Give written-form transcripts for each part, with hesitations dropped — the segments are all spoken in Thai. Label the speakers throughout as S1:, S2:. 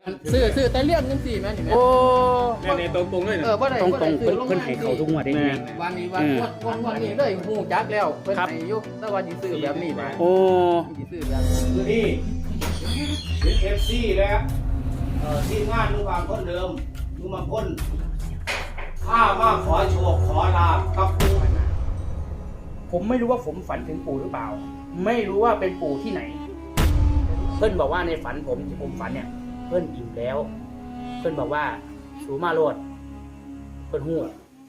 S1: ซื้อแต่เลี้ยงจังซี่แม่นนี่แม่
S2: โอ้
S3: ในตรงๆเลยนะ
S1: บ่ได้
S2: ตรง
S1: บ่ได้ซื้อล
S2: เพิ่นให้เขาทุกงวดได้
S3: แม่
S2: ไหม
S1: วันนี้วันนี้เลยฮู้จักแล้วเพิ่นให้อยู่แต่ว่าสิซื้อแบบนี้บ่
S2: โอ้
S1: สิซื้อแบบนี้
S4: คือนี่เป็นเอฟซีแล้วทีมงานลุงบางคนเดิมลุงบางคนข้ามาขอโชคขอลาบกับปู่
S2: ผมไม่รู้ว่าผมฝันถึงปู่หรือเปล่า ไม่รู้ว่าเป็นปู่ที่ไหน เพิ่นบอกว่าในฝันผมที่ผมฝันเนี่ย เพิ่นอิ่มแล้ว เพิ่นบอกว่าสูมาโลดเพิ่นหู้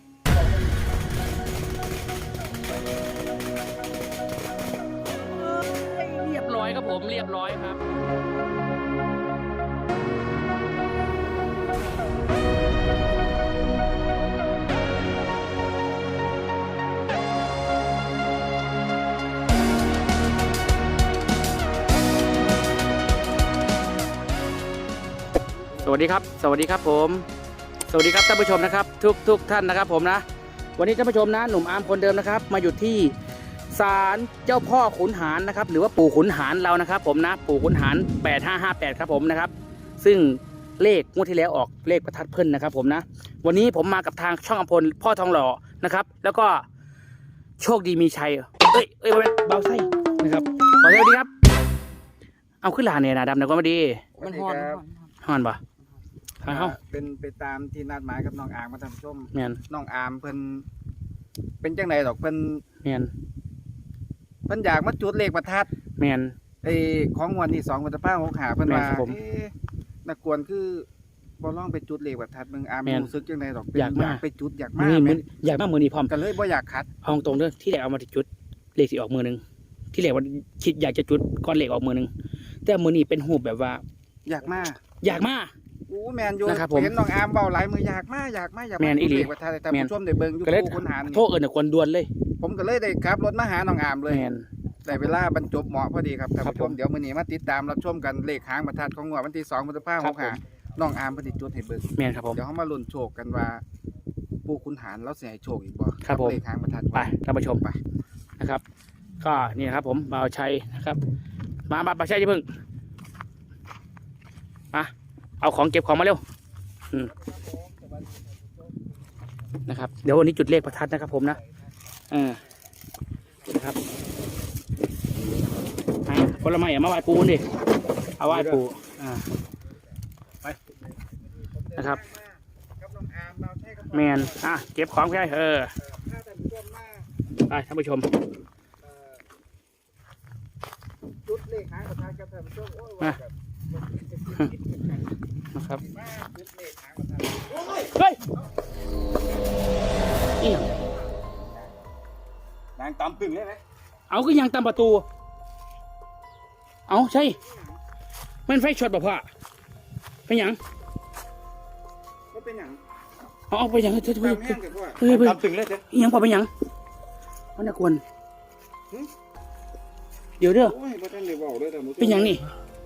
S2: เรียบร้อยครับผมเรียบร้อยครับสวัสดีครับสวัสดีครับผมสวัสดีครับท่านผู้ชมนะครับทุกท่านนะครับผมนะวันนี้ท่านผู้ชมนะหนุ่มอาร์มคนเดิมนะครับมาอยู่ที่ศาลเจ้าพ่อขุนหารนะครับหรือว่าปู่ขุนหารเรานะครับผมนะปู่ขุนหาร8558ครับผมนะครับซึ่งเลขงวดที่แล้วออกเลขประทัดเพิ่นนะครับผมนะวันนี้ผมมากับทางช่องอำพลพ่อทองหล่อนะครับแล้วก็โชคดีมีชัยเบาไส้นะครับขอสวัสดีครับเอาขึ้นลาเนี่ยนะดำนะก็ไม่ดี
S1: มันฮ้อน
S2: ฮอนปะฮอนเฮา
S3: เป็นไปตามที่นัดหมายกับน้องอางมาทำชม
S2: แมน
S3: น้องอามเพิ่นเป็นจังไดดอกเพิ่น
S2: แมน
S3: อยากมาจุดเลขประทัด
S2: แมน
S3: ไอ้ของวันที่2 พฤษภาคม 65เพิ่น
S2: แม่
S3: ว่าน
S2: ครับผม
S3: นักกวนคือบ่ลองไปจุดเลขประทัดมึงอาม
S2: แม่น
S3: รู้สึกจังไดดอก
S2: อยากมา
S3: ไปจุดอยาก
S2: มื
S3: มา
S2: อ
S3: แม่
S2: อยากมามือนี้พร้อม
S3: ก็เลยบ่อยากขัด
S2: เอาตรงเด้อที่แรกเอามาจุดเลขสิออกมือหนึงที่แรกว่าคิดอยากจะจุดก้อนเลขออกมือหนึงแต่มือนี้เป็นหูปแบบว่า
S3: อยากมา
S2: อยากมา
S3: อู้แม่นอยู่
S2: นะครับผม
S3: เห็นน้องอามเว้าหลายมืออยากมา
S2: แม่นอีหลี
S3: จุดเลขประทัดให้ท่าน
S2: แม่น
S3: ผู้ชมได้เบิ่งอยู่
S2: ก็เลย
S3: ปู่คุณหาร
S2: โทษเอิญน่ะควรด่วนเลย
S3: ผมก็เลยได้ขับรถมาหาน้องอามเลย
S2: แมน
S3: ได้เวลาบรรจบเหมาะพอดีครับท่าน
S2: ครับ
S3: ผู้ช
S2: ผม ม
S3: เดี๋ยวมื้อนี้มาติดตามรับชมกันเลขหางประทัดของงวดวันที่2 พฤษภาค
S2: ครั
S3: ม
S2: บผม
S3: 65น้องอามเพิ่นสิจุดให้เบิ่ง
S2: แมนครับผม
S3: เดี๋ยวเฮามาลุ้นโชคกันว่าปู่ขุนหารเราสิให้โชคอีกบ่
S2: ครับผม
S3: เลขหางประทัด
S2: ไปท่านผู้ชม
S3: ไป
S2: นะครับ ก็นี่นะครับผมบ่าวชัยนะครับมาบ่าวชัยจะเพิ่งมาเอาของเก็บของมาเร็วนะครับเดี๋ยววันนี้จุดเลขประทัดนะครับผมนะนะครับคนละไม้มาไหว้ปูดิเอาไหว้ปูไปนะครับ
S3: กับน้องอามเราใช้กับ
S2: แมนเก็บของไป
S3: ถ้าท่านผู้ชมมา
S2: ไปท่านผู้ชม
S3: จุดเลขหางประทัดกับท่านผู้ชมโอ้ยว่าแบบ
S2: นะครับ
S3: มาจุดเลขหางประทัดโอ้ย
S2: เฮ้ยอีหยัง
S3: นางตำตึงเลยไหม
S2: เอาก็ยังตามประตู เอาใช่มันไฟช็อตบ่พ่อเป็นหยัง
S3: มันเป็นหยัง
S2: เอาไปหยังเฮ้ย
S3: ตำแห้งกันว่า
S2: เฮ้ย
S3: ตำตึงเลยเด้อ
S2: อีหยังพอเป็นหยังมันน่ากวนเดี๋ยวเด้อ
S3: โอ้ยบ่ทันได้เว้าเลยท่านผู้ชม
S2: เป็นหยังนี่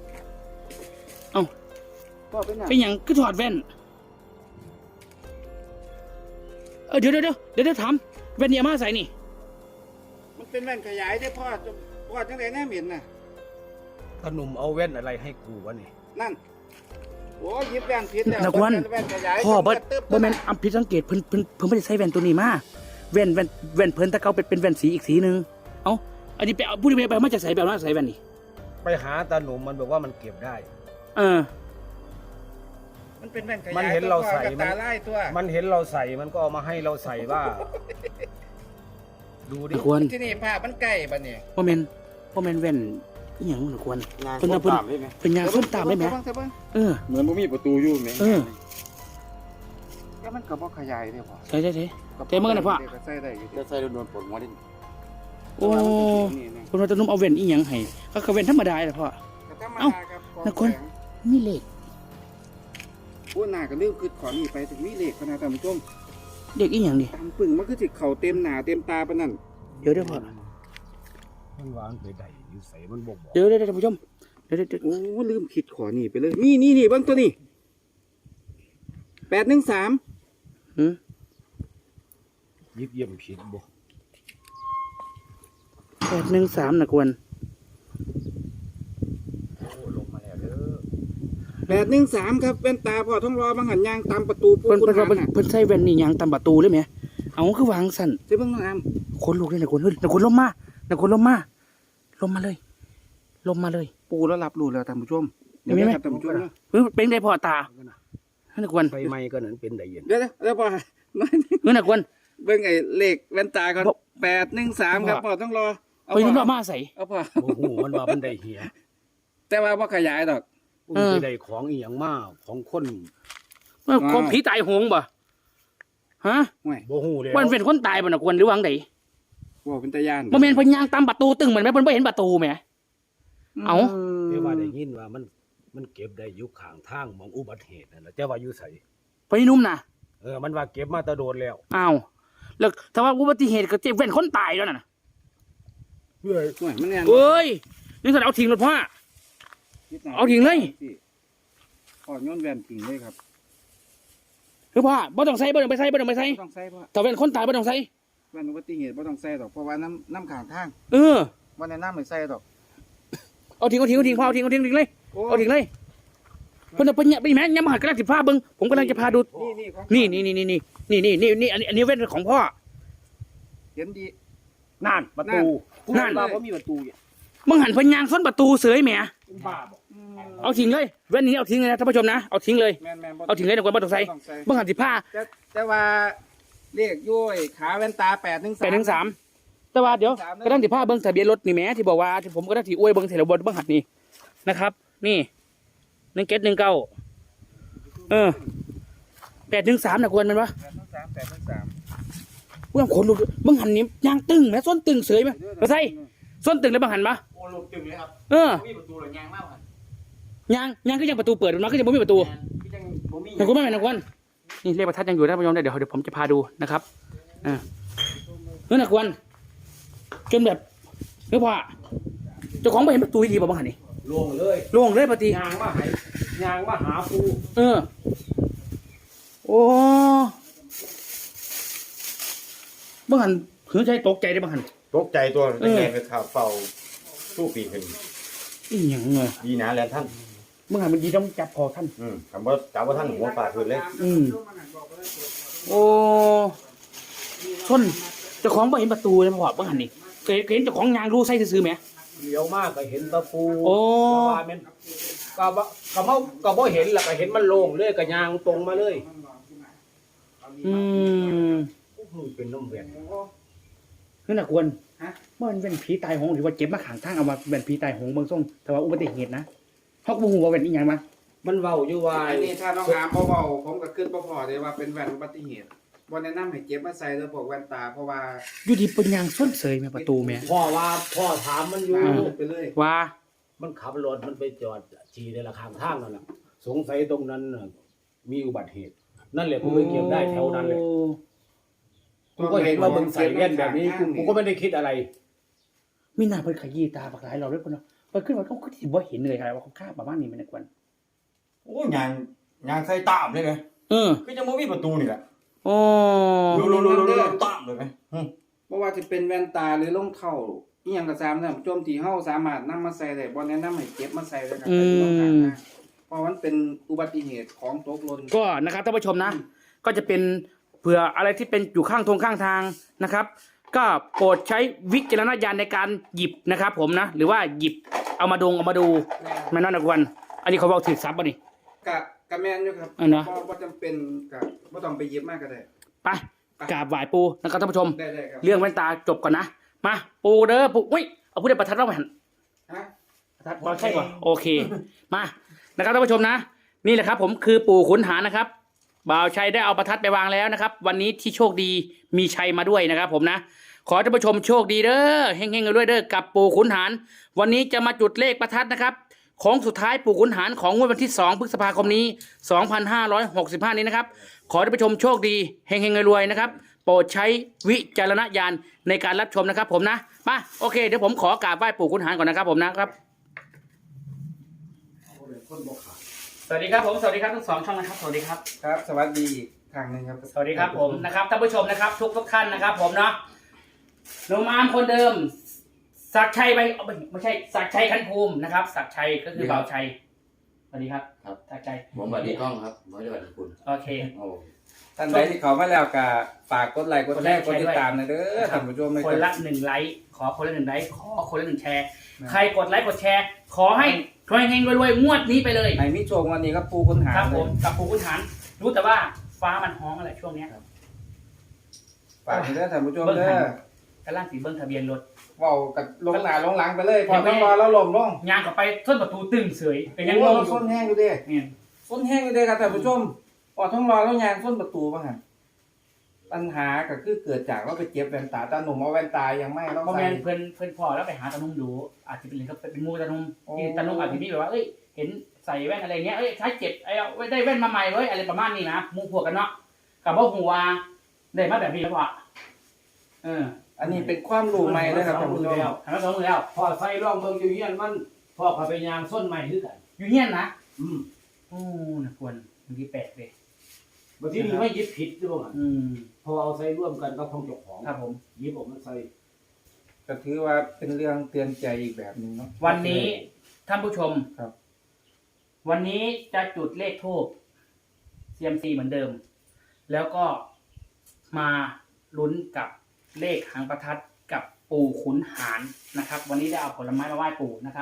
S3: ก็เป็นหยัง
S2: เป็นหยังก็ถอดแว่นเดี๋ยวถามแว่นนี่เอามาใส่นี่
S3: มันเป็นแว่นขยายได้พ่อจังได๋แน่เหม็นน่ะ
S4: ขนมเอาแว่นอะไรให้กูวะนี่
S3: นั่นโอ้ยหยิบแว่นผิดแล้ว
S2: นักวัน
S3: แว่นขยาย
S2: พ่อบ่
S3: ตึ๊บ
S2: บ่แม่นอำผิดสังเกตเพิ่นไม่ได้ใส่แว่นตัวนี้มาแว่นเพิ่นแต่เขาเป็นแว่นสีอีกสีหนึงเอ้าอันนี้ไปเอาผู้ที่ไปมาจากใส่แบบมาใส่แว่นนี่
S4: ไปหาตาหนุ่มมันบอกว่ามันเก็บได้
S3: มันเป็นแว่นขยาย
S4: มันเห็นเราใส่
S3: กับตาไล่ตัว
S4: มันเห็นเราใส่มันก็เอามาให้เราใส่ว่า ดูดิ
S2: นักควร
S3: ที่นี่ภาพมันใกล้บัดนี้
S2: บ่แม่นแว่นอีหยังนักควร
S3: งาน
S2: เพิ่นเอาเพิ่น
S3: ตามได้ไหม
S2: เป็นยางส้มตามได้ไหม
S3: เบิ่ง
S2: เออ
S3: เหมือนบ่มีประตูอยู่แม่
S2: เออ
S3: แล้วมันก็บ่ขยายได้พ่อ
S2: ใช่แต่เมื่อน่ะพ่อ
S3: ก็ใส่ได้อยู่
S1: จะใส่โดนปลดหัวดิ
S2: โอ้คนว่าจะนุ่มเอาแว่นอีหยังให้ก็แว่นธรรมดาแหละพ่อ เอ้านักคน มีเลข
S3: พูดหน้าก็ลืมคือขอนี่ไปถึงมีเลขพนะท่านผู้ชม
S2: เด็กอีหยังนี่
S3: ตามปึ่งมันคือสิเข้าเต็มหน้าเต็มตาปานนั้น
S2: เดี๋ยวพ่อ
S4: มันวางไปได้อยู่ใส่มันบอก
S2: เดี๋ยวท่านผู้ชมเดี๋ยว
S3: โอ้ลืมคิดขอนี่ไปเลยนี่เบิ่งตัวนี้813
S2: หืม
S4: ยิบเยี่ยมผิดบ่
S2: 813นักควร
S4: โอ้ลงมาแล้วเด้อ
S3: 813ครับแว่นตาพ่อท้องรอบางหันยางตามประตูปู
S2: เพิ่น
S3: คุณ
S2: เพิ่น
S3: หาร
S2: เพิ่น
S3: น่ะ
S2: เพิ่นใส่แว่นนี่ยางตามประตูเลยไหมเอาคือวางสั่น
S3: ใช่เบิ่งน้องอาม
S2: คนลุกเลยนะคนเฮ้ยนะคนล้มมานะคนล้มมาล้มมาเลยล้มมาเลย
S3: ปูแล้วรับรู้แล้วท่านผู้ชม
S2: เห็นไหม
S3: ครับท่านผู้ชมนะ
S2: เฮ้ยเป็นไงพ่อตานะควร
S4: ไฟไหม้ก็นั้นเป็นได้ยิน
S3: เดี๋ยวพ่อ
S2: นะควร
S3: เบิ่งไอ้เลขแว่นตาก่อน813ครับพ่อต้องรอเอา
S2: ไป
S3: พ่
S2: นุ่
S3: อ
S2: มมาใส่
S3: เอาพ่อ
S4: โอ้โหมันว่ามันได้เหีย
S3: แต่ว่าบ่ขยายดอก
S4: มันสิได้ของอีหยังมากของคน
S2: ของผีตายโหงบ่ฮะ
S3: ห่วย
S4: บ่ฮู้แล้ว
S2: มันเป็นคนตายบ่นะควรหรือวางได
S3: บ่เป็นตาย่าน
S2: บ่แม่นเพิ่นย่างตามประตูตึงเหมือนแม่เพิ่นบ่เห็นประตูแหม เอา
S4: แต่ว่าได้ยินว่ามันเก็บได้อยู่ข้างทางหมองอุบัติเหตุนั่นแหละแต่ว่าอยู่ไส
S2: ไปนุ่มนะ
S4: มันว่าเก็บมาแตะโดนแล้ว
S2: อ้าวแล้วถ้าว่าอุบัติเหตุก็เจ็บแว่นคนตายแล้วน่ะ
S3: ห่วยมันแน่น
S2: เอ้ยนี่สันเอาทิ้งรถพ่อ เอาทิ้งเลย
S3: พ่อโยนแว่นทิ้งเลยครับ
S2: คือพ่อบ่ต้องใส่บ่ต้องไปใส่บ่ต้องไปใส่
S3: บ่ต้องใส่พ่อ
S2: ถ้าแว่นคนตายบ่ต้องใส่
S3: แว่นอุบัติเหตุบ่ต้องใส่ดอกเพราะว่าน้ำข้างทาง
S2: เออ
S3: บ่แนะนำให้ใส่ดอก
S2: เอาทิ้งพ่อเอาทิ้งเลย
S3: โอ้
S2: เอาทิ้งเลยเพิ่นเอาไปเนี่ยไปแม่ยามมาหัดกำลังสิพาเบิ่งผมกำลังจะพาดู
S3: นี่ของ
S2: นี่อันนี้แว่นของพ่อ
S3: เห็นดี
S4: นั่นประตู
S2: นั่น
S4: ว่าบ่มีประตูเนี่ย
S2: มึงหันเพิ่นยางส้นประตูเสยแหม
S4: เป็นบ้าบ่
S2: เอาทิ้งเลยแว่นนี้เอาทิ้งเลยนะท่านผู้ชมนะเอาทิ้งเลย
S3: แม่นๆบ่
S2: เอาทิ้งเลยนะคนบ่ต้องใส่
S3: ต้องใส่
S2: มึงหันสิพา
S3: แต่ว่าเลขย้อยขาแว่นตา813
S2: แต่ว่าเดี๋ยว
S3: 813
S2: ก็ต้องสิพาเบิ่งทะเบียนรถนี่แหมที่บอกว่าที่ผมก็ได้ที่อวยเบิ่งเสร็จแล้วบนเบิ่งหัดนี่นะครับ นี่1719813นะควรมันวะ
S3: 813
S2: เรื่องขนลุกมึงหันนี่ยางตึงแม่ส้นตึงเสยไหมมาใส่ส้นตึงแล้วบังหันปะ
S1: โอ้ลูกตึงเลยครับ
S2: เออ
S1: มีประตูหรือยางมากครับ
S2: ยางก็ยังประตูเปิดอยู่นะก็ยังไม่มีประตู
S1: พี่จังผมมี
S2: นะคุณแม่นะคุณนี่เลขประทัดยังอยู่นะผู้ชมเดี๋ยวผมจะพาดูนะครับเออนะคุณจนแบบเฮ้ยพ่อเจ้าของไม่เห็นประตูดีป่ะบังหันนี่
S4: ลงเลย
S2: โล่งเลยปฏิ
S4: ยางมาหาปู
S2: เออโอ้บังหันหือใจตกใจได้บังหัน
S5: ตกใจตัว
S2: เออ
S5: แรงไปข่าวเป่าสู้ปีขึ้น
S2: อีหยังเงย
S5: ดีนะแล้วท่าน
S2: บังหันมันดีต้องจับคอท่าน
S5: คำว่าจับว่าท่านหัวปากขึ้นเลย
S2: โอ้ชนเจ้าของไม่เห็นประตูเลยพ่อบังหันนี่เคยเห็นเจ้าของยางรู้ไส้ซื้อไหม
S4: เลี้ยวมากก็เห็นตะปู
S2: โอ้
S4: ก็ว่าแม่นก็บ่เห็นล่ะก็เห็นมันโล่งเลยก็ยางตรงมาเลย
S2: อืม
S4: โอ้โหเป็นน้ำแหวน
S2: นั่นน่ะควร
S3: ฮะ
S2: มันเป็นผีตายโหงหรือว่าเจ็บมาขางทางเอามาเป็นผีตายโหงเบางส่งแต่ว่าอุบัติเหตุนะเขาก็บ่ฮู้ว่าเป็นอีหยังมา
S4: มันเว้าอยู่ว่า
S3: อันนี้ถ้าน้องอามเบาๆผมก็ขึ้นบ่พอเลยว่าเป็นแว่นอุบัติเหตุบ่แนะนำให้เก็บมาใส่เด้อพวกแว่นตาเพราะว่า
S2: อยู่ดีเป็นยางส้นเสยแม่ประตูแม่
S4: พ่อถามมันอยู่
S3: ไปเลย
S2: ว่า
S4: มันขับรถมันไปจอดฉี่ในละข้างทางนั่นน่ะสงสัยตรงนั้นน่ะมีอุบัติเหตุ นั่นแหละกูไปเก็บได้แถวนั้นเลยกูก็เห็นว่ามึงใส่แว่นแบบนี้กูก็ไม่ได้คิดอะไร
S2: มีหน้าเพิ่นขยี้ตาบักหลายเราด้วยคนเนาะเพิ่นขึ้นมาเขาก็สิบ่เห็นเลยครับว่าเขาฆ่าประมาณนี้มันนะควร
S5: โอ้ยางใส่ตามเลยไง
S2: เออ
S5: ก็จะมีประตูนี่แหละ
S2: โอ้
S5: รูตามเลยไหม
S3: บ่ว่าจะเป็นแว่นตาหรือรองเท้าอีหยังก็ตามนะโจมที่เฮาสามารถนำมาใส่ได้บ่แนะนำให้เก็บมาใส่เลยครับแต่อยู่ข้างทางเพราะมันเป็นอุบัติเหตุของตกหล่น
S2: ก็นะครับท่านผู้ชมนะ ก็จะเป็นเผื่ออะไรที่เป็นอยู่ข้างทางนะครับ ก็โปรดใช้วิจารณญาณในการหยิบนะครับ ผมนะ หรือว่าหยิบเอามาดูมันนั่นนะควรอันนี้เขาบอกถือซับป่ะนี่
S3: กะแม่นอยู่ครับ
S2: อันนะ
S3: บ่จำเป็นก็บ่ต้องไปเย็บมากก็ได้
S2: ไปกราบไหว้ปูนะครับท่านผู้ชม
S3: ได้ครับ
S2: เรื่องแว่นตาจบก่อนนะมาปูเด้อปูอุ้ยเอาพูดได้ประทัดเราหัน
S3: ฮะ
S2: ประทัดบอลใช่ป่ะโอเคมานะครับท่านผู้ชมนะ นี่แหละครับผมคือปู่ขุนหารนะครับบ่าวชัยได้เอาประทัดไปวางแล้วนะครับ วันนี้ที่โชคดีมีชัยมาด้วยนะครับผมนะ ขอท่านผู้ชมโชคดีเด้อเฮงๆกันด้วยเด้อกับปู่ขุนหารวันนี้จะมาจุดเลขประทัดนะครับของสุดท้ายปู่ขุนหารของงวดวันที่2พฤษภาคมนี้2565นี้นะครับขอท่านผู้ชมโชคดีเฮงๆรวยๆนะครับโปรดใช้วิจารณญาณในการรับชมนะครับผมนะมาโอเคเดี๋ยวผมขอกราบไหว้ปู่ขุนหารก่อนนะครับผมนะครับสวัสดีครับผมสวัสดีครับทั้งสองช่องนะครับสวัสดีครับ
S3: ครับ สวัสดีอีกครั้งหนึงครับ
S2: สวัสดีครับผมนะครับท่านผู้ชมนะครับทุกท่านนะครับผมเนาะหนุ่มอาร์มคนเดิมศักดิ์ชัยไปไม่ใช่ศักดิ์ชัยขันภูมินะครับศักดิ์ชัยก็คือบ่าวชัยสวัสดีครับ
S5: ครับ
S2: จากใจ
S5: ผมสวัสดีกล้องครับผมสวัสดีคุณ
S2: โอเค
S5: โอ้
S3: ท่านใดที่เขามาแล้วก็ฝากกดไลค์กดแชร์
S2: ก
S3: ก
S2: ด
S3: ด
S2: ไลค์
S3: ติดตามหนะเด้อท่านผู้ชม
S2: คนละ1ไลค์ขอคนละ1ไลค์ขอคนละ1แชร์ใครกดไลค์กดแชร์ขอให้เฮงๆรวยๆงวดนี้ไปเลย
S3: ในมิโชควันนี้ก็ปูคุณหา
S2: ครับผมกับปู่ขุนหารรู้แต่ว่าฟ้ามันฮ้องอะไรช่วงเนี้ย
S3: ฝากเด้อท่านผู้ชมเด้อก
S2: ระล่างสีเบิ้งทะเบียนรถ
S3: เว้ากับลงหน้าลงหลังไปเลยพอต้องรอแล้วลมลง
S2: ยางกลับไปส้นประตูตึงเสยเป็นยังง
S3: โอ้
S2: ง
S3: ร
S2: อ
S3: ถ
S2: ยู่
S3: ส้นแห้งอยู่เด้
S2: เนี่ย
S3: ส้นแห้งอยู่เด้ครับท่านผู้ชมพอต้องรอแล้วยางส้นประตูบ้างฮะปัญหาก็คือเกิดจากว่าไปเจ็บแว่นตาตาหนุ่มเอาแว่นตายังไม่ต้อง
S2: พอแม
S3: ใส่
S2: นเพื่อนพอแล้วไปหาตานุ่มดูอาจจะเป็นก็เป็นมูตานุ่ม
S3: โอ้
S2: ที่ตานุ่มอาจจะมีแบบว่าเอ้ยเห็นใส่แว่นอะไรเงี้ยเอ้ยใช้เจ็บไอ้เอาไว้ได้แว่นมาใหม่เว้ยอะไรประมาณนี้นะมูพวกกันเนาะกับว่าหัวได้มาแบบนี้แล้วพอ
S3: อันนี้เป็นความรู้ใหม่เลยครับท่านผู้ชม
S2: ทำมา2 มือแล้ว
S4: พอใส่ร่องเบิ่งอยู่เฮียนมันพ่อเขาไปยางส้นใหม่คือกัน
S2: อยู่เฮียนนะ
S4: อืม
S2: โอ้นะควรบางทีแปลกเลย
S4: บางทีนี่ไม่ยึดผิดด้วยกัน
S2: อืม
S4: พอเอาใส่ร่วมกันก็ของเจ้าของ
S2: ครับผม
S4: ยิบออกมาใส่
S3: ก็ถือว่าเป็นเรื่องเตือนใจอีกแบบหนึงเนาะ
S2: วันนี้ท่านผู้ชม
S3: ครับ
S2: วันนี้จะจุดเลขทูป CMC เหมือนเดิม แล้วก็มาลุ้นกับเลขหางประทัดกับปู่ขุนหารนะครับ วันนี้ได้เอาผลไม้มาไหว้ปู่นะครับ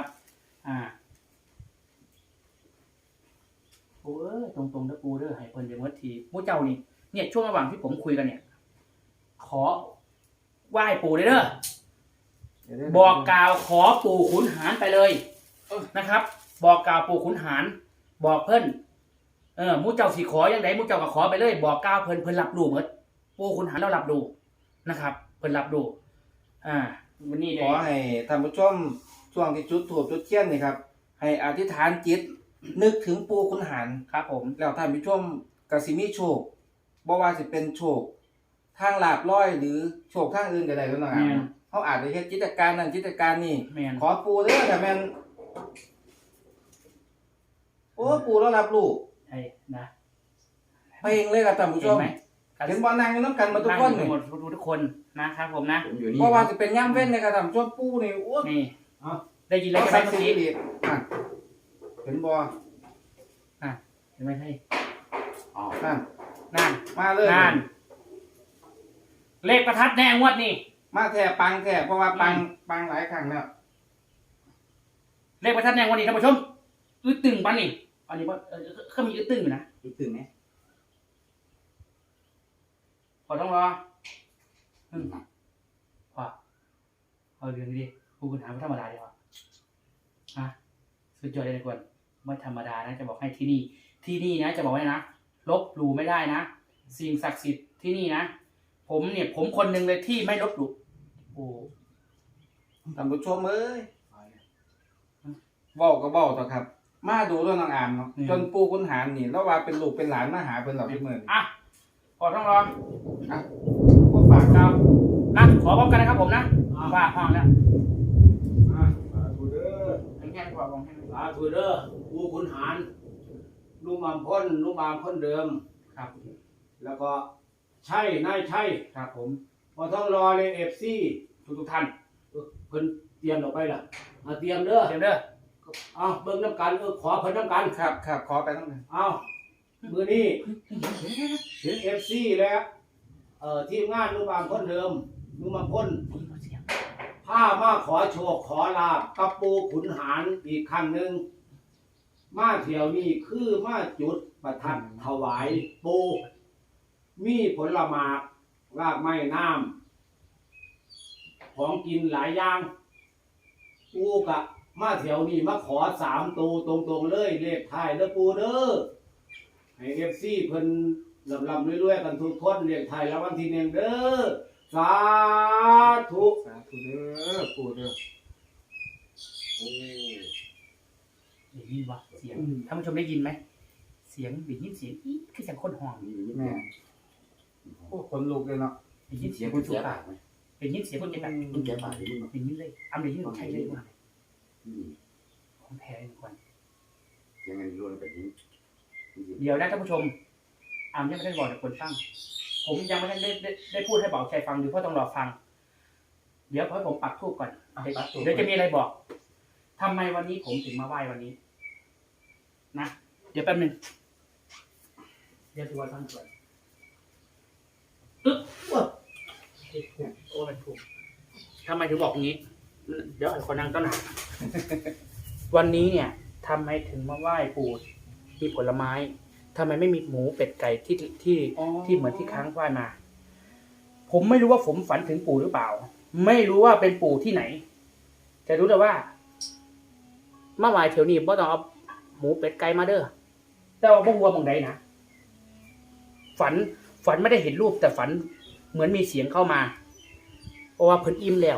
S2: ปู่ตรงๆนะปู่เด้อให้เพิ่นเดี๋ยวมื่อทีมู่เจ้านี่เนี่ยช่วงระหว่างที่ผมคุยกันเนี่ย ขอไหว้ปู่เลยเด้อ บอกกล่าวขอปู่ขุนหารไปเลยนะครับ บอกกล่าวปู่ขุนหาร บอกเพิ่นมูเจ้าสีขอยังไงมูเจ้าก็ขอไปเลย บอกกล่าวเพิ่นรับรู้หมดปู่ขุนหารเรารับรู้นะครับ เพิ่นรับรู้วันนี้
S3: ขอให้ท่านผู้ชมช่วงที่จุดธูปจุดเทียนนี่ครับ ให้อธิษฐานจิต นึกถึงปู่ขุนหาร
S2: ครับผม
S3: แล้วท่านผู้ชมก็สิมีโชคบ่ว่าสิเป็นโชคทางลาภลอยหรือโชคทางอื่นก็ได้แล้วนะครับเขาอาจจะเฮ็ดกิจการนั้นกิจการนี้
S2: แม่น
S3: ขอปู่เด้อแต่แม่นโอ้ปู่เรารับรู้
S2: ใช่นะ
S3: เพลงเลยครับท่านผู้ช
S2: เห็น
S3: ม
S2: ไหม
S3: เห็นบ่นั่งอยู่นำกันมาทุกคน
S2: นั่ง
S3: นี่
S2: อยู่หมดทุกคนนะครับผมนะ
S5: ผมอยู่นี่
S3: เพราะว่าสิเป็นย่ํเว้นในกระทำช่วงปู่นี่โอ้
S2: นี่
S4: เอา
S2: ได้ยินแล้
S3: แล้ว ว
S2: ใช่ไหม
S3: ใส่
S2: เมื่อ
S3: สี
S2: กี้
S3: ดีเห็นบ่
S2: เห็นไหมให้
S5: อ๋อ
S3: นั่น
S2: นั่น
S3: มาเลย
S2: นั่นเลขประทัดแน่งวดนี่
S3: มาแท้ปังแท้เพราะว่าปังหลายครั้งแล้ว
S2: เลขประทัดแน่งวดนี้ท่านผู้ชมอึดตึงปะนี่อันนี้ว่าเขามีอึดตึงอยู่นะ
S3: อีกตึงไหม
S2: พอต้องรอพอเอาเรื่องนี้ดิผู้คุณหาไม่ธรรมดาดีกว่าสุดยอดเลยนะกวนไม่ธรรมดานะจะบอกให้ที่นี่นะจะบอกไว้นะลบหลู่ไม่ได้นะสิ่งศักดิ์สิทธิ์ที่นี่นะผมคนหนึ่งเลยที่ไม่ลบหลู่โอ้
S3: ท่านผู้ชมเอ้ยเว้าก็เว้าต่อครับ มาดูเรื่องน้องอามเนาะจนปู่คุณหารนี่แล้วว่าเป็นลูกเป็นหลานมาหาเพิ่นหรอกพี่เมื่อนี่
S2: พอต้องรอ
S3: ก็ฝาก
S2: ครับนะขอพร้อมกันนะครับผมนะว่าห้องแล้ว
S4: สาธุเด้อ
S2: ให้แค่กว่าของให้
S4: สาธุเด้อปู่ขุนหารลุงอามพ้นลุงอามพ้นเดิม
S2: ครับ
S4: แล้วก็ใช่นายใช่
S2: ครับผม
S4: พอต้องรอเลยFC
S2: ทุกท่าน
S4: เพิ่นเตรียมออกไปล่ะเตรียมเด้อ
S2: เดี๋ยวเด้อ
S4: เอาเบิ่งน้ำกันขอเพิ่นน้ำกัน
S3: ครับขอไปตั้งแต่
S4: เอามือนี้ถึง FC แล้วทีมงานลุงอามพ้นเดิมลุงอามพ้นผ้ามาขอโชคขอลาบกับปู่ขุนหารอีกครั้งหนึ่งมาเที่ยวนี้คือมาจุดประทัดถวายปู่มีผลหมากรากไม้น้ำของกินหลายอย่างปู่กะมาเที่ยวนี้มาขอ3 ตัวตรงๆเลยเลขท้ายเด้อปู่เด้อให้ FC เพิ่นลำๆรวยๆกันทุกคนเลขท้ายรางวัลที่1เด้อสาธุ
S3: สาธุเด้อปู่เด้อ
S2: ได้ยินวะเสียงท่านผู้ชมได้ยินไหมเสียงได้ยินเสียงอีคือเสียงคนห้อง
S3: แม่โอ้คนลูกเลยเนาะ
S2: ได้ยิน
S5: เสี
S2: เสี
S5: ย
S2: ย
S5: ง
S2: ง
S5: คุ
S2: ค
S5: ณ
S2: น
S5: เสี
S2: จุ
S5: ย
S2: ก
S5: ปา
S2: ปาก
S5: กไหม
S2: ได้ยินเสียงคนเจ็บแบบ
S5: คุณแกปากที่มึง
S2: ได้ยินเลยได้ยินใช่เลยว่าของแท้เลยก่อน
S5: ยังไงรู้แบบนี้
S2: เดี๋ยวนะท่านผู้ชมยังไม่ได้บอกแต่คนฟังผมยังไม่ได้พูดให้บอกใครฟังหรือพ่อต้องรอฟัง เดี๋ยวผมปักทูบก่อนเดี๋ยวจะมีอะไรบอกทำไมวันนี้ผมถึงมาไหว้วันนี้นะเดี๋ยวแป๊บนึงเดี๋ยวดูว่าตั้งก่อนโอ้มันถูกทำไมถึงบอกอย่างนี้ เดี๋ยวไอ้คนนั่งต้นหนา วันนี้เนี่ยทำไมถึงมาไหว้ปู่มีผลไม้ทำไมไม่มีหมูเป็ดไก่ที่เหมือนที่ค้างไหว้มา ผมไม่รู้ว่าผมฝันถึงปู่หรือเปล่า ไม่รู้ว่าเป็นปู่ที่ไหนแต่รู้แต่ว่ามาไหว้เถียวนี้บ่ต้องเอาหมูเป็ดไก่มาเด้อแต่ว่าบ่ฮู้ว่าหม่องใดนะฝันไม่ได้เห็นรูปแต่ฝันเหมือนมีเสียงเข้ามาเพราะว่าเพิ่นอิ่มแล้ว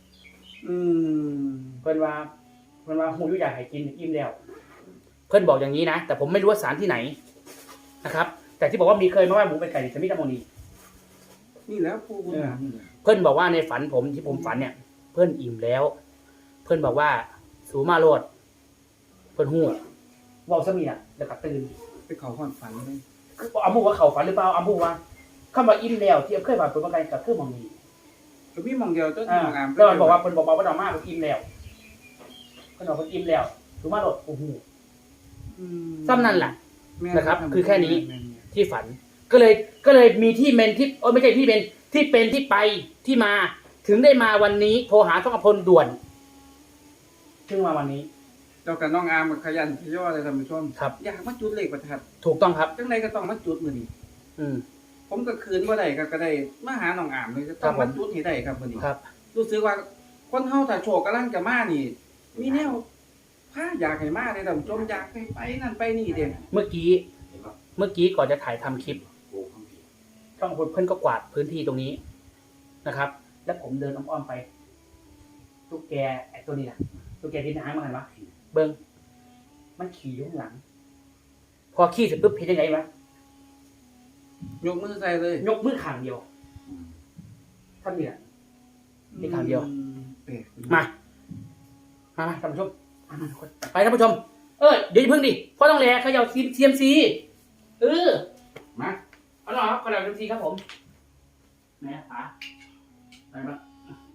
S2: เพิ่นว่าฮู้อยู่อยากให้กินอิ่มแล้วเพิ่นบอกอย่างนี้นะแต่ผมไม่รู้ว่าศาลที่ไหนนะครับ แต่ที่บอกว่ามีเคยมาไหว้หมูเป็ดไก่ที่สมิธมณี
S3: นี่แล้วผู้คุณหารนี่แหละ
S2: เพิ่นบอกว่าในฝันผมที่ผมฝันเนี่ย เพิ่นอิ่มแล้ว เพิ่นบอกว่าสูมาโลดเพิ่นฮู้เว้าซะมีน่ะแล้วก็ตื่น
S3: ไปเขาความฝันเลย
S2: อามูว่าเขาฝันหรือเปล่าอามูว่าคำว่าอิ่มแล้วที่เคยฝันเป็นว่าไงกับคือหม่องนี้
S3: ก็มีหมองเดียวต้น
S2: อ่า
S3: หมองอาม
S2: แล้วมันบอกว่าเพิ่นบอกว่าดอกมาเพิ่นอิ่มแล้วเพิ่นบอกเพิ่นอิ่มแล้วสูมาโลดโอ้โหซ้ำนั่นแหละ นะครับคือแค่นี้ ที่ฝันก็เลยมีที่เมนที่ไม่ใช่ที่เมนที่เป็นที่ไปที่มาถึงได้มาวันนี้โทรหาต้องอภพลด่วนถึงมาวันนี้
S3: เจ้ากับน้องอามกับขยันขย่อเลยท่านผู้ชม
S2: ครับ
S3: อยากมาจุดเลขประทัด
S2: ถูกต้องครับ
S3: จังไดก็ต้องมาจุดมื้อนี้
S2: อืม
S3: ผมก็คืนบ่ได้ก็ได้มาหาน้องอามเลยก็ต้องมาจุดให้ได้ครับมื้อนี้
S2: ครับ
S3: รู้สึกว่าคนเฮาถ้าโชคกำลังจะมานี่ มีแนวพาอยากให้มาเลยท่านผู้ชมอยากให้ไปนั่นไปนี่เด้
S2: เมื่อกี้ก่อนจะถ่ายทำคลิป
S5: โอ้ข้างผี
S2: ช่องเพื่อนก็กวาดพื้นที่ตรงนี้นะครับ แล้วผมเดินอ้อมๆไปตุ๊กแกไอ้ตัวนี้นะตุ๊กแกที่หางมาหันวะเบิ้งมันขี่อยู่ข้างหลัง พอขี่เสร็จปุ๊บเห็นยังไงวะ
S3: ยกมือใส่เลย
S2: ยกมือข้างเดียวท่านนี่แหละ นี่ข้างเดียว
S3: แปลก
S2: มาท่านผู้ชมมาทุกคนไปท่านผู้ชมเดี๋ยวอย่าเพิ่งดิพ่อต้องแลเขย่าCMC
S3: มา
S2: เอาหน่อยครับเขย่าCMCครับผมแม่ป๋าไปบ้าง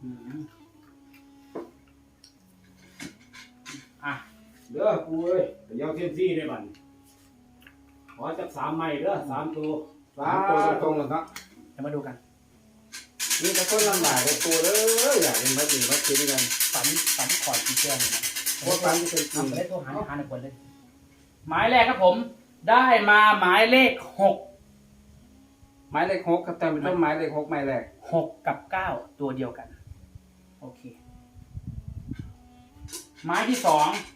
S4: เด้อกูเอ้ยเดี๋ยวเส้นซี่ได้บัดขอจัก3ไม้เด้อ3ตัว
S3: 3ตัวตรงๆแล้วครับ
S2: เดี๋ยวมาดูกัน
S3: นี่ก็คนลำบากกับตัวเลยอยากเห็นมาดีมาคิดกัน
S2: ฝันขอดกี่เชือกเลยนะ
S3: เพราะฟันที่เป็นจริง
S2: ไปได้โทรหาในคนเลย หมายแรกครับผม ได้มาหมายเลข6
S3: หมายเลข6ครับท่านผู้ชมหมายเลข6หมายแรก
S2: 6 กับ 9 ตัวเดียวกัน โอเค หมายที่ 2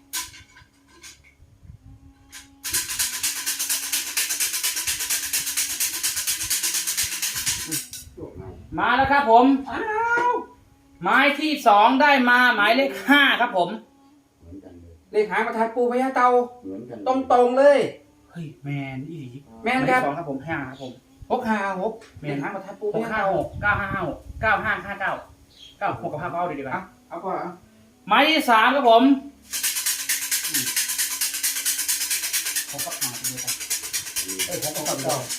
S2: มาแล้วครับผม หมายที่ 2 ได้มาหมายเลข 5 ครับผม
S5: เหมือนกันเลย
S3: เลขหางประทัดปูพญาเตา
S5: เหมือนกัน
S3: ตรงๆเลย
S2: เฮ้ยแมนอีหลี
S3: แม่นครับ
S2: 2ครับผม5ครับผม
S3: 656เลขหางประทัดปูพญาเตา
S2: 656 9556 9559 96กับ5เอาดีกว่า
S3: เอาก่อนเอา
S2: หมายที่ 3 ครับผมผมก็หาไปเลยครับผมก็กลับ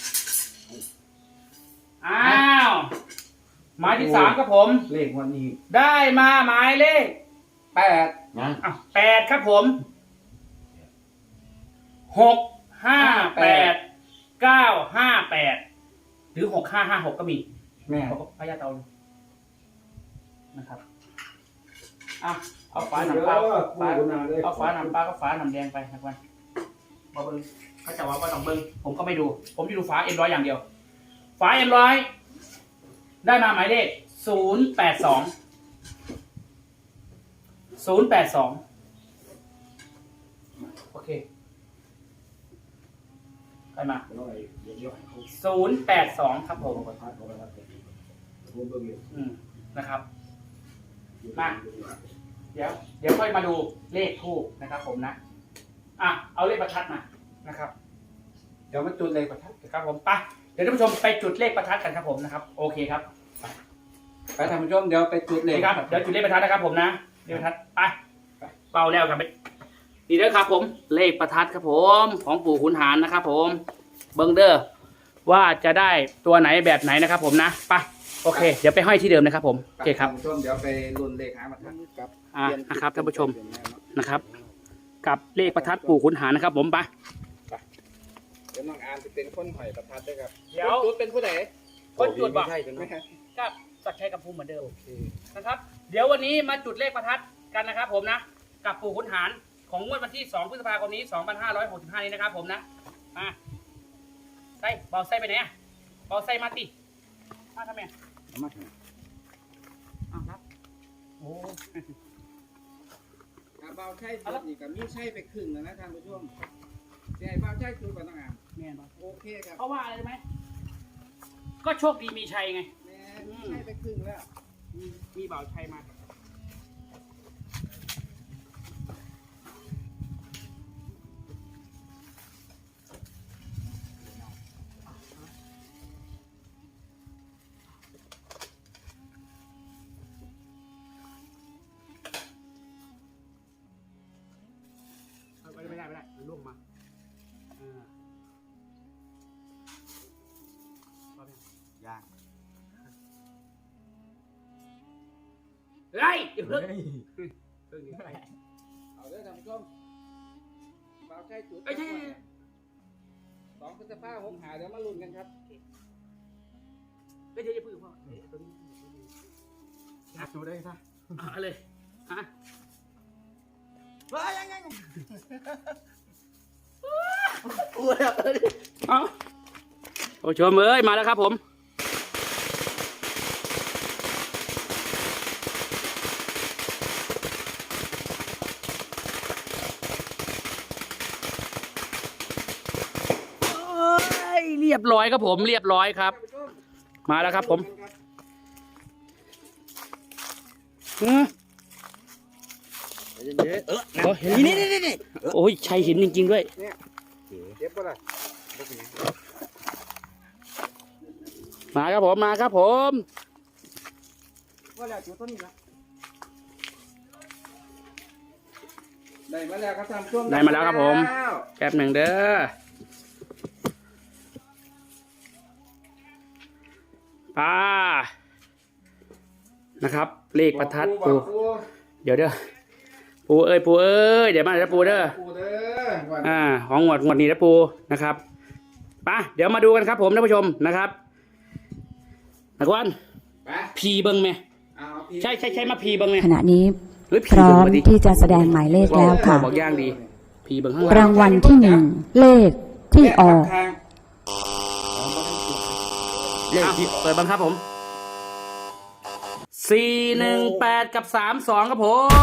S2: อ้าวหมายที่ 3 ครับผม
S3: เลขวันนี้
S2: ได้มาหมายเลข
S3: 8
S5: นะ
S2: 8 ครับผม658 958หรือ6556ก็มี
S3: แม่
S2: เขาก็พยาเตานะครับเอาฟ้าหนำปลาเอาฟ้าหนำปลาก็ฟ้าหนำแดงไปนะครับมาเบิ้งเขาจะว่าต้องเบิ้งผมก็ไม่ดู ผมจะดูฟ้าM100อย่างเดียวฟ้าM100ได้มาหมายเลข082โอเคใครมา082ครับผมนะครับมาเดี๋ยวค่อยมาดูเลขทูปนะครับผมนะเอาเลขประทัดมานะครับ
S3: เดี๋ยวมาจุดเลขประทัด
S2: ครับผมไปเดี๋ยวท่านผู้ชมไปจุดเลขประทัดกันครับผมนะครับโอเคครับ
S3: ไปท่านผู้ชมเดี๋ยวไปจุดเลข
S2: นี่ครับเดี๋ยวจุดเลขประทัดนะครับผมนะเลขประทัดไปเป่าแล้วครับนี่เด้อครับผมเลขประทัดครับผมของปู่ขุนหารนะครับผมเบิ้งเด้อว่าจะได้ตัวไหนแบบไหนนะครับผมนะไปโอเค เดี๋ยวไปห้อยที่เดิมนะครับผมโอเคครับ
S3: ท่านผู้ชมเดี๋ยวไปลุ้นเลขหางประทัดครับ
S2: นะครับท่านผู้ชมนะครับกับเลขประทัดปู่ขุนหารนะครับผมไป
S3: เดี๋ยวน้องอาร์มจะเป็นคนหอยประทัดด้วยครับ
S2: เดี๋ยว
S3: จุดเป็นผู้ใด
S2: คนจุดบอก
S3: ไม่ใช่กันนะ
S2: กับสักชัยกับภูมิเหมือนเดิมนะครับเดี๋ยววันนี้มาจุดเลขประทัดกันนะครับผมนะกับปู่ขุนหารของงวดวันที่2 พฤษภาคมนี้ 2565 นี้นะครับผมนะมาไส้เบาไส้ไปไหนอะเบาไส้มาติมาทำไมอ้าวรับโอ้
S3: เบาใช่จุดนี่กับมีใช่ไปครึ่งแล้วนะท่านผู้ชมใช่เบาใช่จุดก่อนน้องอาร์ม
S2: แม่นบ่
S3: โอเคครับ
S2: เพราะว่าอะไรรู้ไหมก็โชคดีมีชัยไง
S3: แม่มีใช่ไปครึ่งแล้ว
S2: มีเบาชัยมาไม่ได้มันล่วงมา
S3: ยาก
S2: เฮ้ยอย่าเพิ่ง
S3: เอาเด้อท่านผู้ชมเบาใช่จุด
S2: ไอ้ที่
S3: 2 พฤษภาคมหาเดี๋ยวมาลุ้นกันครับ
S2: เดี๋ยวอย่าเพิ่งพ่ออยากดูได้ซะเอาเลยฮะว้ายังเอาโอ้ชมเอ้ยมาแล้วครับผมเรียบร้อยครับผมเรียบร้อยครับมาแล้วครับผมนี่โอ้ยชัยหินจริงๆด้วย
S3: เจ็บปะล่ะ
S2: มาครับผมมาครับผม
S3: ว่าแล้วจุดต้นนี้ละได้มาแล้วครับท่านผู้ชม
S2: ได้มาแล้วครับผมแป๊บหนึ่งเด้อป้านะครับเลขประทัดปูเดี๋ยวเด้อปูเอ้ยเดี๋ยวมาเด้อปูเด้อ
S3: ปูเด้อ
S2: ของงวดนี้นะปูนะครับป้าเดี๋ยวมาดูกันครับผมท่านผู้ชมนะครับนักวัน
S3: ไป
S2: พีเบิ้งไหม
S3: เอาพี่
S2: ใช่มาพีเบิ้งไหม
S6: ขณะนี้
S2: หรือ
S6: พ
S2: พี
S6: ร้อ
S2: เบิ้ง
S6: ม
S2: มาดิ
S6: ที่จะแสดงหมายเลขแล้วค่ะ
S2: บอกย่างดีพีเบิ้งข้างหลั
S6: ราง งวัลที่ 1 เลขที่ออก
S3: ทาง
S2: เลขที่เปิดบังครับผม418กับ32ครับผม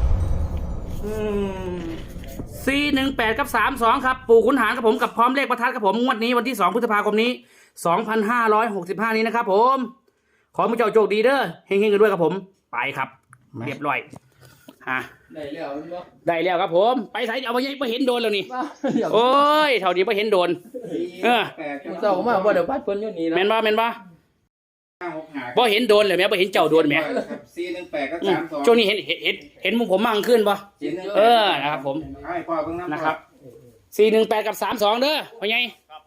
S2: 418กับ32ครับปู่ขุนหารครับผมกับพร้อมเลขประทัดครับผมงวดนี้วันที่2 พฤษภาคมนี้2565นี้นะครับผมขอให้ผู้เจ้าโชคดีเด้อเฮงๆกันด้วยครับผมไปครับเรียบร้อย
S1: ได้แล้วเนาะ
S2: ได้แล้วครับผมไปใส่เอาไปเห็นโดนแล้วนี่โอ้ยเท่านี้ไปเห็นโดน
S1: มึงเศร้ามาบ่เดี๋ยวพัดเพิ่นอยู่นี่นะ
S2: แม่นบ่
S3: 5 6 5
S2: บ่เห็นโดนเลยแม่บ่เห็นเจ้าโดนแม่
S3: 418กับ32
S2: ช่วงนี้เห็นมุมผมมั่งขึ้นป่ะนะครับผม
S3: ให้พ่อเบิ่งน้ำ
S2: นะครับ418กับ32เด้อพ่อใหญ่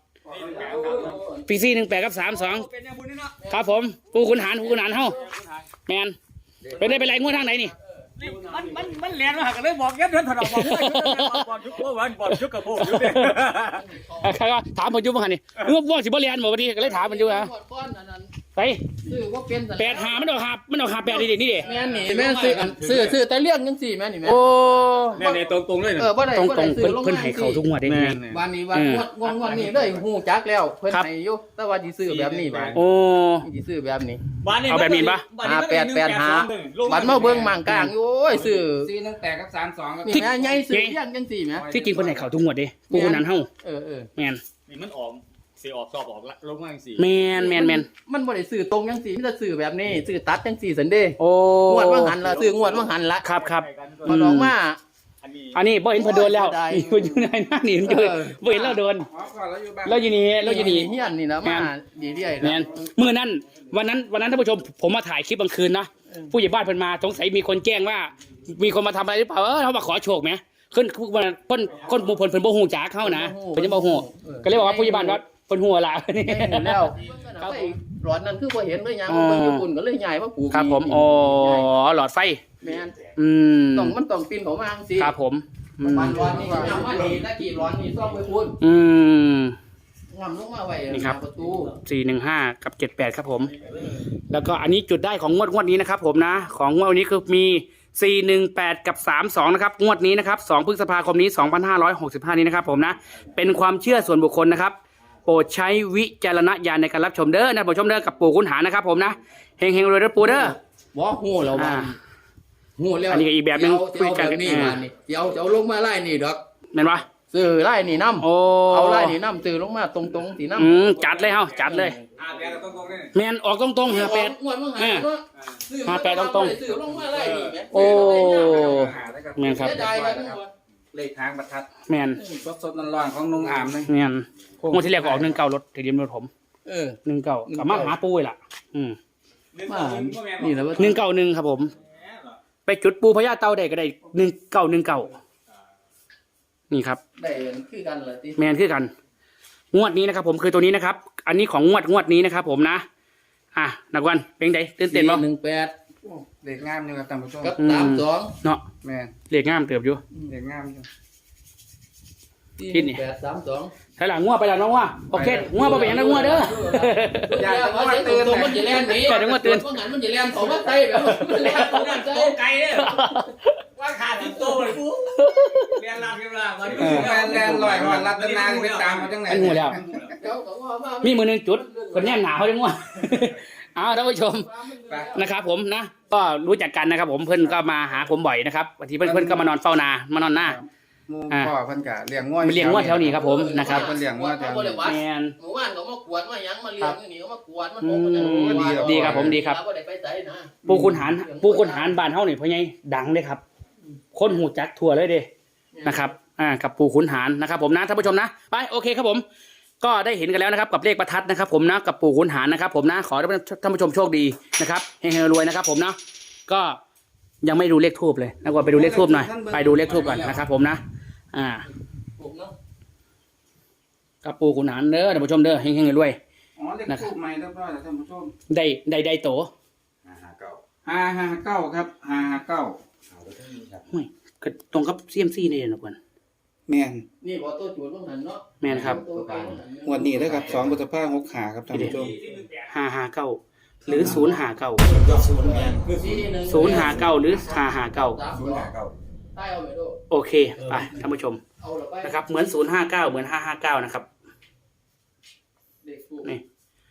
S2: ปี418กับ32ครับผมผู้ขุนหารเฮาแม่นเป็นได้ไปไล่งวดทางไหนนี่
S7: มันแลนมากันเลยบอกยัดเดินถนอมบอกชุกโป้วันบอกชุกกระโปงอยู่เนี่ย
S2: ถามผมอยู่บ่คั่นนี่ว่าสิบ่เรียนบ่บัดนี้ก็เลยถามมันอยู่ฮะ
S1: ก้อนอันนั้น
S2: ไป
S1: ซื้อบ่เป็นสัญ
S2: 85มันออก8นี่ดิ
S1: แม่นนี่แม่นซื้อแต่เลี้ยงจังซี่แม่นนี่แม่น
S2: โอ้
S7: เนี่ยตรงเลยนะ
S1: บ่ได้
S2: ตรง
S1: บ่ได้ซื้อลง
S2: เพิ่นให้เข้าทุกงวดได้ไง
S1: วันนี้วันงวดนี้เลยฮู้จักแล้วเพิ่นให้อยู่แต่ว่าสิซื้อแบบนี้บาด
S2: โอ้
S1: สิซื้อแบบนี้
S2: เอาแบบนี้ปะ
S1: บัดมาเบิ่งมั่งกลางอยู่โอ้ยซื้อ
S3: 418กับ32ครับ
S1: นี่แม่ใหญ่ซื้อเลี้ยงจังซี่แม่
S2: ที่จริงเพิ่นให้เข้าทุกงวดเด้ผู้ขุนหารเฮา
S1: เออ
S2: แม่น
S7: นี่มันออกเสียออกสอบออกละลงมาสี่
S2: แม่น
S1: มันบ่ได้ซื้อตรงจังซี่มีแต่ซื้อแบบนี้ซื้อตัดจังซี่ซั่นเด้
S2: โอ้
S1: งวดว่าหันละซื้องวดว่าหันละ
S2: ครับ
S1: มันออกมา
S2: อันนี้บ่เห็นเพิ่นโดนแล้ว
S1: ได้
S2: เพิ่นอยู่ในหน้านี่มันเจอบ่เห็นเราโดน
S3: อ๋อก่อนแล้วอยู่บ้าน
S2: เราอยู่นี่
S1: เฮียนนี่นะมาดีเรื่อย
S2: แม่นมื้อนั้นวันนั้นท่านผู้ชมผมมาถ่ายคลิปกลางคืนนะผู้ใหญ่บ้านเพิ่นมาสงสัยมีคนแจ้งว่า มีคนมาทำอะไรหรือเปล่าเขามาขอโชคไหมขึ้นคนหมู่เพิ่นบ่ฮู้จักเขานะเพิ่นจะบ่ฮู้ก็เลยบอกว่าผู้ใหญ่บ้านว่าเพิ่นฮู้ล่ะนี่
S1: เห็นแล้วครับหลอดนั้นคือบ่เห็นเลยยังเบิ่งญี่ปุ่นก็เลยใหญ่มาปลูก
S2: ครับผมอ๋อหลอดไฟ
S1: แม่น
S2: อืม
S1: มันต้องปีนเข้ามาจังซี่
S2: ครับผม
S1: มันร้อนนี่ก็ยังมาดีตะกี้ร้อนนี่ซ่อมไปคุณ งำลงมาไว้
S2: นี่ครับ
S1: ประตู
S2: 415 กับ 78 ครับผม แล้วก็อันนี้จุดได้ของงวดนี้นะครับผมนะ ของงวดนี้คือมี 418 กับ 32 นะครับ งวดนี้นะครับ 2 พฤษภาคมนี้ 2565 นี้นะครับผมนะ เป็นความเชื่อส่วนบุคคลนะครับ โปรดใช้วิจารณญาณในการรับชมเด้อนะผู้ชมเด้อกับปู่ขุนหารนะครับผมนะ เฮงๆรวยๆปู่เด้อ
S1: บ่ฮู้แล้วว่าฮู้แล้ว
S2: อันนี้ก็อีกแบบหนึ่งคุยกัน
S1: นี่มานี่จะเอาลงมาไล่นี่ดอก
S2: แม่นปะ
S1: ซื้อไล่นี่น้ำ
S2: โอ้
S1: เอาไล่นี่น้ำซื้อลงมาตรงๆสีน้ำ
S2: จัดเลยเฮาจัดเลย
S7: แต่ตรงๆนี่
S2: แม่นออกตรงๆ58
S1: งวดมึงหาเนาะซื้อ
S2: 58ตรงๆ
S1: ซื้อลงมาไล่นี่แม่
S2: โอ้ แม่นครับ
S1: เสียดายเลยมึงว่า
S3: เลขทางประทัด
S2: แม่น
S3: สดๆร้อนๆของนุ่งอามเลย
S2: แม่นงวดที่แรกก็ออก19รถทะเบียนรถผม 19กับมาหาปูล่ะ
S1: มานี่แหละว่า
S2: 191ครับผม ไปจุดปูพญาเต่าได้ก็ได้1919นี่ครับ
S1: ได้คือกันเหรอติ
S2: แมนคือกัน งวดนี้นะครับผมคือตัวนี้นะครับ อันนี้ของงวดนี้นะครับผมนะนักวันเป็นไงตื่นเต้นบ่
S1: 418
S3: เลขงามอยู่ครับท่านผู้ชม
S1: กับ 32
S2: เนาะ
S3: แม่น
S2: เลขงามเติบอยู่
S3: เลขงามอยู่
S2: ที่นี่
S1: 832
S2: ใช่หลังงวดไปแล้วน้องว่าโอเคงวดบ่เป็นหยังนะงวดเด้อ
S3: อยากจะว่าตื่น
S1: ตรงมันจะแล่นหนี
S2: แต่ถึงว่าตื่น
S1: เพราะงั้นมันจะแล่นของมาไตแบบมันแล่นของมาไต
S7: โตไกลเนี่ยว่าขาดถึงโตเลยกูเรียนลาวันนี้
S3: แลนลอยหอดรัตนาไปตามมาจังไหน
S2: อันงูแล้ว
S1: เจ้าก็ว่ามา
S2: มีมือหนึงจุดคนแนมหนาเขาจังว่าเอาท่านผู้ชม
S3: ไป
S2: นะครับผมนะ ก็รู้จักกันนะครับผมเพื่อนก็มาหาผมบ่อยนะครับบางทีเพื่อนก็มานอนเฝ้านามานอนหน้า
S3: หมู่พ่อเพิ่นก็เลี้ยงงัว
S2: มาเลี้ยงงวดแถวนี้ครับผมนะครับ
S3: เพิ่นเลี้ยงงัวแถวนี้
S2: แมน
S1: หมู่บ้านก็มากวดมาหยังมาเลี้ยงอยู่นี่ก็มากวดมันโหมัน
S2: ดีครับผมดีครับ
S1: บ่ได้ไปไสนะ
S2: ปูคุณหารบ้านเฮานี่พ่อใหญ่ดังเลยครับ คนหูจักทั่วเลยเด้นะครับกับปูขุนหารนะครับผมนะท่านผู้ชมนะไปโอเคครับผม ก็ได้เห็นกันแล้วนะครับกับเลขประทัดนะครับผมนะกับปูขุนหารนะครับผมนะขอให้ท่านผู้ชมโชคดีนะครับเฮงๆรวยๆนะครับผมนะก็ยังไม่ดูเลขทูบเลยนะว่าไปดูเลขทูบหน่อยไปดูเลขทูบก่อนนะครับผมนะ
S1: ผมเนาะ
S2: กับปูขุนหารเด้อท่านผู้ชมเด้อเฮงๆรวย
S3: อ๋อเลขทูบใหม่เรียบร้อยแล้วท่านผู้ชม
S2: ๆได้โต
S3: 559ครับ559
S2: ห่วยก็ตรงกับเซียมซี่นี่นะเพื่อน
S3: แม่น
S1: นี่บ่ตัวจูดบ่หันเนาะ
S2: แม่นครับ
S3: งวดนี้เด้อครับ2พฤษภาคม65ครับท่านผู้ชม
S2: 559หรือ059 059หรือ559
S1: ใต้เอาไปดู
S2: โอเคไปท่านผู้ชม
S1: เอาละไป
S2: นะครับเหมือน059เหมือน559นะครับ
S1: เด็กกู
S2: นี่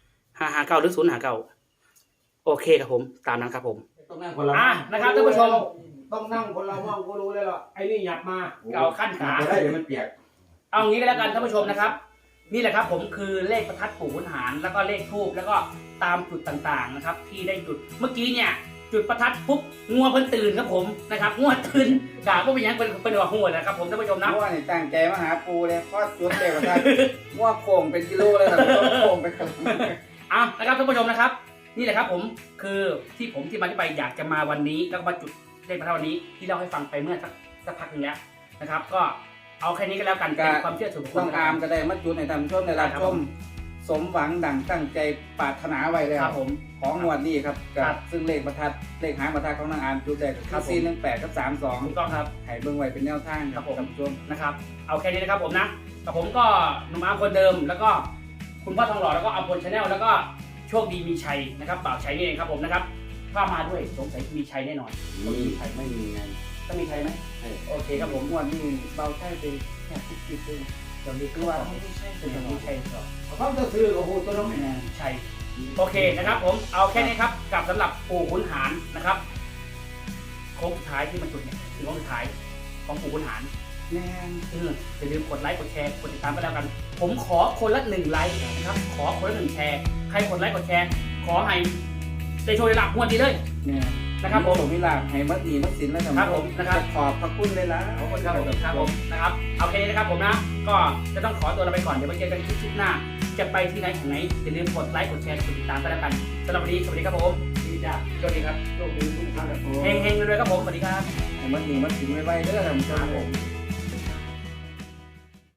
S2: 559หรือ059โอเคครับผมตามนั้นครับผม
S4: ต้องนั่งคนละ
S2: นะครับท่านผู้ชม
S4: ต้องนั่งคนละห้องก็รู้เลยหรอไอ้นี่หยับมา
S2: เก่าขั้นขา
S4: ไม่ได้เดี๋ยวมันเปียก
S2: เอางี้ก็แล้วกันท่านผู้ชมนะครับ นี่แหละครับผมคือเลขประทัดปู่ขุนหารแล้วก็เลขทูบแล้วก็ตามจุดต่างๆนะครับ ที่ได้จุดเมื่อกี้เนี่ย จุดประทัดปุ๊บงัวเพิ่นตื่นครับผมนะครับงัวตื่นกะว่าเป็นหยังเป็นหัวหัวนะครับผมท่านผู้ชมนะ
S3: งัวนี่ตั้งใจมาหาปูเลยพอจุดเลขประทัดงัวโค้งเป็นกิโลเลยครับโค้งไปครับ
S2: นะครับท่านผู้ชมนะครับ นี่แหละครับผมคือที่ผมที่มาที่ไปอยากจะมาวันนี้แล้วก็มาจุดเลขประทัดวันนี้ที่เล่าให้ฟังไปเมื่อสักพักนึงแล้วนะครับ ก็เอาแค่นี้ก็แล้วกันเป็นความเชื่อส่วนบุคคล
S3: ต้องอามก็ได้มาจุดให้ท่านผู้ชมได้รับชมสมหวังดังตั้งใจปรารถนาไว้แล้ว
S2: ครับผม
S3: ของงวดนี้ครับ
S2: ครับ
S3: ซึ่งเลขประทัดเลขหางประทัดของนางอามจุดได้
S2: ครั
S3: คื
S2: บ
S3: อ
S2: ผม
S3: 418กับ
S2: ถูกต้องครับ
S3: 32ให้เบิ่งไว้เป็นแนวทางครับ
S2: ครับผม
S3: ท่านผู้ชม
S2: นะครับเอาแค่นี้นะครับผมนะกับผมก็หนุ่มอาร์มคนเดิม แล้วก็คุณพ่อทองหล่อแล้วก็อัมพลชาแนลแล้วก็โชคดีมีชัยนะครับบ่าวชัยนี่เองครับผมนะครับถ้ามาด้วยสงสัยมีชัยแน่นอน
S3: มีใครไม่มีไง
S2: ต้องมีชัยไหมโอเคครับผม
S3: งวดนี้เบาใช่ไปแค่คิดๆเอง
S2: เดี๋ยวนี้คือว่าไม่ใช่เป็นอย่างมีชัยก่อน
S4: เขาจะซื้อกับหูตัวน้องแม่
S2: ชัยโอเคนะครับผมเอาแค่นี้ครับกับสำหรับปู่ขุนหารนะครับโค้งสุดท้ายที่มันจุดเนี่ยถึงโค้งสุดท้ายของปู่ขุนหาร
S3: แม่น
S2: อย่าลืมกดไลค์กดแชร์กดติดตามกันแล้วกัน ผมขอคนละ1ไลค์นะครับขอคนละ1แชร์ใครกดไลค์กดแชร์ขอให้ได้โชว์ได้รับงวดดีเลย
S3: เนี่ย
S2: นะครับผม
S3: วิลาให้มัดดีมัดสินแล้ว
S2: ครับผมนะครับ
S3: ขอบพระคุณเลยล่ะ
S2: ขอบคุณครับผมครับผมนะครับเอาแค่นี้นะครับผมนะก็จะต้องขอตัวเราไปก่อนเดี๋ยวไปเจอกันคลิปหน้า จะไปที่ไหนถึงไหนอย่าลืมกดไลค์กดแชร์กดติดตามกันแล้วกันสำหรับวันนี้สวัสดีครับผมดีจ้าโชคดีครับ
S3: โชคดีทุกท่านครับผม
S2: เฮงๆรวยๆครับผมสวัสดีครับ
S3: ให้มัดดีมัดสินไว้ๆเด้อท่านผู้ชม